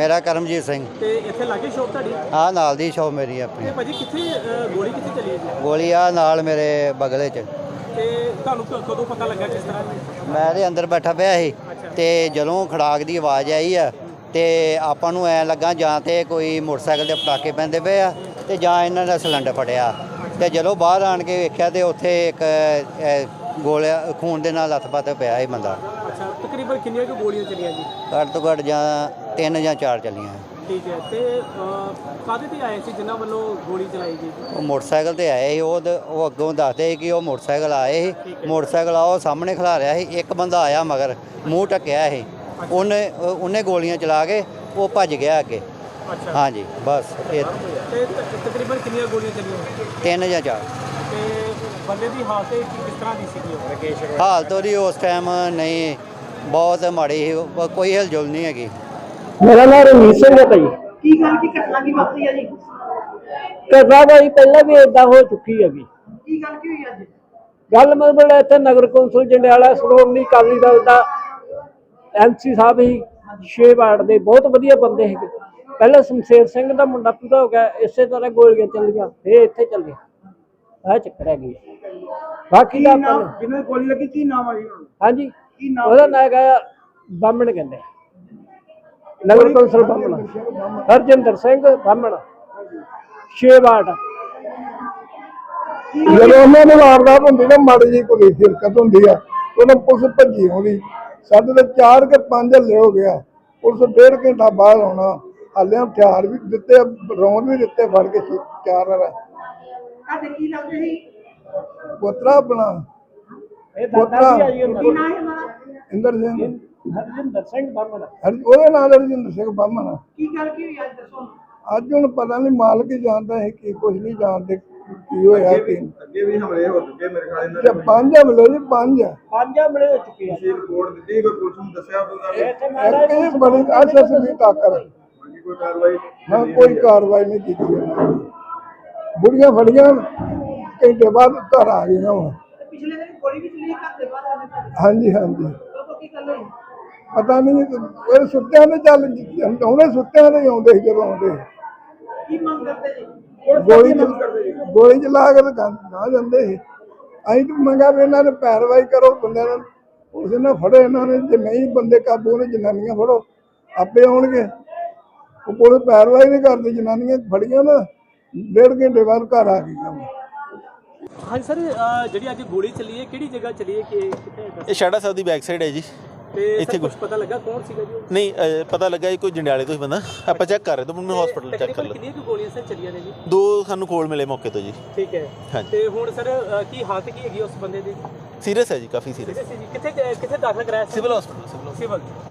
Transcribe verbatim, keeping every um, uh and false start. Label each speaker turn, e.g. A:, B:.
A: ਮੇਰਾ ਕਰਮਜੀਤ ਸਿੰਘ।
B: ਤੇ ਇੱਥੇ ਲਾਗੇ ਸ਼ੌਪ ਤੁਹਾਡੀ?
A: ਆ ਨਾਲ ਦੀ ਸ਼ੌਪ ਮੇਰੀ ਆਪਣੀ।
B: ਤੇ ਭਾਜੀ ਕਿੱਥੇ ਗੋਲੀ ਕਿੱਥੇ ਚੱਲੀ ਹੈ ਜੀ?
A: ਗੋਲੀ ਆ ਨਾਲ ਮੇਰੇ ਬਗਲੇ 'ਚ।
B: ਤੇ ਤੁਹਾਨੂੰ ਕ- ਕਦੋਂ ਪਤਾ ਲੱਗਾ ਕਿਸ ਤਰ੍ਹਾਂ?
A: ਮੈਂ ਦੇ ਅੰਦਰ ਬੈਠਾ ਪਿਆ ਸੀ ਤੇ ਜਦੋਂ ਖੜਾਕ ਦੀ ਆਵਾਜ਼ ਆਈ ਆ ਤੇ ਆਪਾਂ ਨੂੰ ਐ ਲੱਗਾ ਜਾਂ ਤੇ ਕੋਈ ਮੋਟਰਸਾਈਕਲ ਦੇ ਪਟਾਕੇ ਪੈਂਦੇ ਪਏ ਆ ਤੇ ਜਾਂ ਇਹਨਾਂ ਦਾ ਸਿਲੰਡਰ ਫਟਿਆ। ਤੇ ਜਦੋਂ ਬਾਹਰ ਆਣ ਕੇ ਵੇਖਿਆ ਤੇ ਉੱਥੇ ਇੱਕ ਗੋਲਿਆ ਖੂਨ ਦੇ ਨਾਲ ਲੱਥ-ਪੱਥ ਪਿਆ ਸੀ ਬੰਦਾ।
B: ਅੱਛਾ, ਤਕਰੀਬਨ ਕਿੰਨੀਆਂ ਕੁ ਗੋਲੀਆਂ ਚੱਲੀਆਂ ਜੀ?
A: ਘੱਟ ਤੋਂ ਘੱਟ ਜਾਂ ਤਿੰਨ ਜਾਂ ਚਾਰ ਚੱਲੀਆਂ।
B: ਠੀਕ ਹੈ। ਤੇ ਕਾਹਦੇ ਤੇ ਆਏ ਸੀ ਜਿਨ੍ਹਾਂ ਵੱਲੋਂ ਗੋਲੀ ਚਲਾਈ ਗਈ?
A: ਉਹ ਮੋਟਰਸਾਈਕਲ ਤੇ ਆਏ ਸੀ। ਉਹ ਦ- ਉਹ ਅੱਗੋਂ ਦੱਸਦੇ ਸੀ ਕਿ ਉਹ ਮੋਟਰਸਾਈਕਲ ਆਏ ਸੀ। ਮੋਟਰਸਾਈਕਲ ਆ ਉਹ ਸਾਹਮਣੇ ਖਲਾ ਰਿਹਾ ਸੀ। ਇੱਕ ਬੰਦਾ ਆਇਆ ਮਗਰ ਮੂੰਹ ਢੱਕਿਆ ਸੀ। ਉਹਨੇ ਉਹਨੇ ਗੋਲੀਆਂ ਚਲਾ ਕੇ ਉਹ ਭੱਜ ਗਿਆ ਅੱਗੇ।
B: ਅੱਛਾ
A: ਹਾਂਜੀ ਬਸ ਇਹ
B: ਤੇ ਤ- ਤਕਰੀਬਨ ਕਿੰਨੀਆਂ ਗੋਲੀਆਂ ਚੱਲੀਆਂ?
A: ਤਿੰਨ ਜਾਂ ਚਾਰ।
B: ਤੇ ਬੰਦੇ ਦੀ ਹਾਲਤ ਕੀ- ਕਿਸ ਤਰ੍ਹਾਂ ਦੀ ਸੀਗੀ? ਉਹ ਰਕੇਸ਼
A: ਹਾਲਤ ਉਹਦੀ ਉਸ ਟਾਈਮ ਨਹੀਂ ਬਹੁਤ ਮਾੜੀ ਸੀ। ਉਹ- ਕੋਈ ਹਿਲਜੁਲ ਨਹੀਂ ਹੈਗੀ।
C: ਮੇਰਾ ਨਾਮ ਰਣਜੀਤ ਸਿੰਘ ਹੈ ਭਾਈ।
D: ਕੀ ਗੱਲ ਕੀ ਘਟਨਾ ਕੀ ਵਾਪਰੀ ਆ ਜੀ?
C: ਘਟਨਾ ਭਾਈ ਪਹਿਲਾਂ ਵੀ ਏਦਾਂ ਹੋ ਚੁੱਕੀ ਹੈਗੀ।
D: ਕੀ ਗੱਲ ਕੀ ਹੋਈ ਅੱਜ?
C: ਗੱਲ ਮਤਲਬ ਇੱਥੇ ਨਗਰ ਕੌਂਸਲ ਜੰਡਿਆਲਾ ਸ਼੍ਰੋਮਣੀ ਅਕਾਲੀ ਦਲ ਦਾ ਐਮਸੀ ਸਾਹਿਬ ਹੀ ਛੇ ਵਾਰਡ ਦੇ ਬਹੁਤ ਵਧੀਆ ਬੰਦੇ ਸੀਗੇ। ਪਹਿਲਾਂ ਸ਼ਮਸ਼ੇਰ ਸਿੰਘ ਦਾ ਮੁੰਡਾ ਪੂਰਾ ਹੋ ਗਿਆ, ਇਸੇ ਤਰ੍ਹਾਂ ਗੋਲੀਆਂ ਚੱਲੀਆਂ ਫੇਰ ਇੱਥੇ ਚੱਲੇ ਆਹ ਚੱਕਰ ਹੈਗੀ। ਬਾਕੀ ਦਾ ਆਪਾਂ ਨੂੰ-
D: ਜਿਹਨੂੰ ਗੋਲੀ ਲੱਗੀ ਕੀ ਨਾਮ ਆ ਜੀ?
C: ਹਾਂਜੀ
D: ਕੀ ਨਾਮ?
C: ਉਹਦਾ ਨਾਂ ਹੈਗਾ ਬਾਹਮਣ ਕਹਿੰਦੇ ਨਗਰ ਕੌਂਸਲ ਬਾਹਮਣ ਹਰਜਿੰਦਰ ਸਿੰਘ ਬਾਹਮਣ ਛੇ ਵਾਰਡ।
E: ਜਦੋਂ ਉਹਨਾਂ ਨੂੰ ਵਾਰਦਾਤ ਹੁੰਦੀ ਨਾ ਮਾੜੀ ਜਿਹੀ ਕੋਈ ਹਿਰਕਤ ਹੁੰਦੀ ਆ ਉਹਨਾਂ ਪੁਲਿਸ ਭੱਜੀ ਆਉਂਦੀ। ਸਾਡੇ ਤੇ ਚਾਰ ਕੇ ਪੰਜ ਹੱਲੇ ਹੋ ਗਿਆ। ਪੁਲਿਸ ਡੇਢ ਘੰਟਾ ਬਾਅਦ ਆਉਣਾ। ਹਾਲੇ ਹਥਿਆਰ ਵੀ ਦਿੱਤੇ, ਰੌਂਦ ਵੀ ਦਿੱਤੇ ਫੜ ਕੇ ਛੇ- ਚਾਰ ਵਾਰ।
D: ਤੁਹਾਡੇ ਕੀ ਲੱਗਦੇ ਸੀ?
E: ਪੁੱਤਰਾ ਆਪਣਾ
C: ਇਹ ਦਾਦਾ ਜੀ ਆ ਜੀ ਉਹਨਾਂ
D: ਕੀ
C: ਦਾ।
D: ਨਾਮ ਹੈ ਉਹਨਾਂ ਦਾ?
E: ਇੰਦਰ ਸਿੰਘ
C: ਹਰਜਿੰਦਰ ਸਿੰਘ ਬਾਹਮਣ।
E: ਹਰ- ਉਹਦੇ ਨਾਲ ਰਜਿੰਦਰ ਸਿੰਘ ਬਾਹਮਣ।
D: ਕੀ ਗੱਲ ਕੀ ਹੋਈ ਅੱਜ ਦੱਸੋ?
E: ਅੱਜ ਹੁਣ ਪਤਾ ਨਹੀਂ ਮਾਲਕ ਹੀ ਜਾਣਦਾ ਹੈ ਕਿ ਕੁਝ ਨਹੀਂ ਜਾਣਦੇ ਕੀ ਹੋਇਆ ਕੀ।
F: ਅੱਗੇ ਵੀ ਹਮਲੇ ਹੋ ਚੁੱਕੇ ਮੇਰੇ ਖਿਆਲ ਇਹਨਾਂ
E: ਤੇ ਪੰਜ ਹਮਲੇ ਜੀ ਪੰਜ।
C: ਪੰਜ ਹਮਲੇ ਹੋ ਚੁੱਕੇ ਆ।
F: ਨੇ ਰਿਪੋਰਟ ਦਿੱਤੀ ਕੋਈ ਪੁਲਿਸ ਨੂੰ ਦੱਸਿਆ ਕੋਈ ਗੱਲ
C: ਇੱਥੇ ਮਹਾਰਾਜ
E: ਇੱਕ ਹੀ ਬੜੀ ਅਸਸਵੀ ਤਾਕਰ
F: ਬਾਕੀ ਕੋਈ ਕਾਰਵਾਈ
E: ਨਾ ਕੋਈ ਕਾਰਵਾਈ ਨਹੀਂ ਕੀਤੀ ਉਹਨਾਂ ਨੇ। ਬੁੜੀਆਂ ਫੜੀਆਂ ਘੰਟੇ ਬਾਅਦ ਘਰ ਆ ਗਈਆਂ ਵਾ।
D: ਤੇ ਪਿਛਲੇ ਦਿਨ ਗੋਲੀ ਵੀ ਚੱਲੀ ਘਰ ਦੇ ਬਾਹਰ ਸਾਡੇ ਘਰ।
E: ਹਾਂਜੀ ਹਾਂਜੀ
D: ਉਦੋਂ ਕੀ ਗੱਲ ਹੋਈ?
E: ਪਤਾ ਨਹੀਂ ਉਹ ਸੁੱਤਿਆਂ ਨੇ ਚੱਲ ਉਹਨੇ ਸੁੱਤਿਆਂ ਨੇ ਆਉਂਦੇ ਸੀ ਜਦੋਂ ਆਉਂਦੇ
D: ਕੀ ਮੰਗ ਕਰਦੇ ਜੀ?
E: ਗੋਲੀ ਚ- ਗੋਲੀ ਚਲਾ ਕੇ ਤਾਂ ਨਾ ਜਾਂਦੇ ਸੀ। ਅਸੀਂ ਤਾਂ ਮੰਗਾ ਵੀ ਇਹਨਾਂ ਨੇ ਪੈਰਵਾਈ ਕਰੋ ਬੰਦਿਆਂ ਨੇ। ਉਸ ਨੇ ਫੜੋ ਇਹਨਾਂ ਨੇ, ਜੇ ਨਹੀਂ ਬੰਦੇ ਕਾਬੂ ਨੇ ਜਨਾਨੀਆਂ ਫੜੋ ਆਪੇ ਆਉਣਗੇ। ਉਹ ਪੁਲਿਸ ਪੈਰਵਾਈ ਨਹੀਂ ਕਰਦੀ। ਜਨਾਨੀਆਂ ਫੜੀਆਂ ਨਾ ਡੇਢ ਘੰਟੇ ਬਾਅਦ ਘਰ ਆ ਗਈਆਂ।
B: ਹਾਂਜੀ ਸਰ, ਜਿਹੜੀ ਅੱਜ ਗੋਲੀ ਚੱਲੀ ਹੈ ਕਿਹੜੀ ਜਗ੍ਹਾ ਚੱਲੀ ਹੈ? ਕਿ ਕਿੱਥੇ ਦੱਸੋ?
G: ਇਹ ਸ਼ਾੜਾ ਸਾਹਿਬ ਦੀ ਬੈਕ ਸਾਈਡ ਹੈ ਜੀ।
B: ਤੇ
G: ਇੱਥੇ
B: ਕੁਝ ਪਤਾ ਲੱਗਾ ਕੌਣ ਸੀਗਾ ਜੀ ਉਹ?
G: ਨਹੀਂ ਅਹ, ਪਤਾ ਲੱਗਾ ਇਹ ਕੋਈ ਜੰਡਿਆਲੇ ਤੋਂ ਹੀ ਬੰਦਾ। ਆਪਾਂ ਚੈੱਕ ਕਰ ਰਹੇ ਤਾਂ ਮੈਨੂੰ ਹਸਪੀਟਲ ਚੈੱਕ ਕਰ
B: ਤਕਰੀਬਨ
G: ਲਓ।
B: ਕਿੰਨੀਆਂ ਕੁ ਗੋਲੀਆਂ ਸਰ ਚੱਲੀਆਂ ਨੇ ਜੀ?
G: ਦੋ ਸਾਨੂੰ ਕੋਲ ਮਿਲੇ ਮੌਕੇ ਤੋਂ ਜੀ।
B: ਠੀਕ ਹੈ।
G: ਹਾਂਜੀ।
B: ਤੇ ਹੁਣ ਸਰ ਅ, ਕੀ ਹਾਲਤ ਕੀ ਹੈਗੀ ਉਸ ਬੰਦੇ ਦੀ?
G: ਸੀਰੀਅਸ ਹੈ ਜੀ, ਕਾਫੀ ਸੀਰੀਅਸ।
B: ਕਿੱਥੇ ਕਿੱਥੇ ਦਾਖਲ ਕਰਾਇਆ ਸੀ?
G: Civil hospital civil
B: civil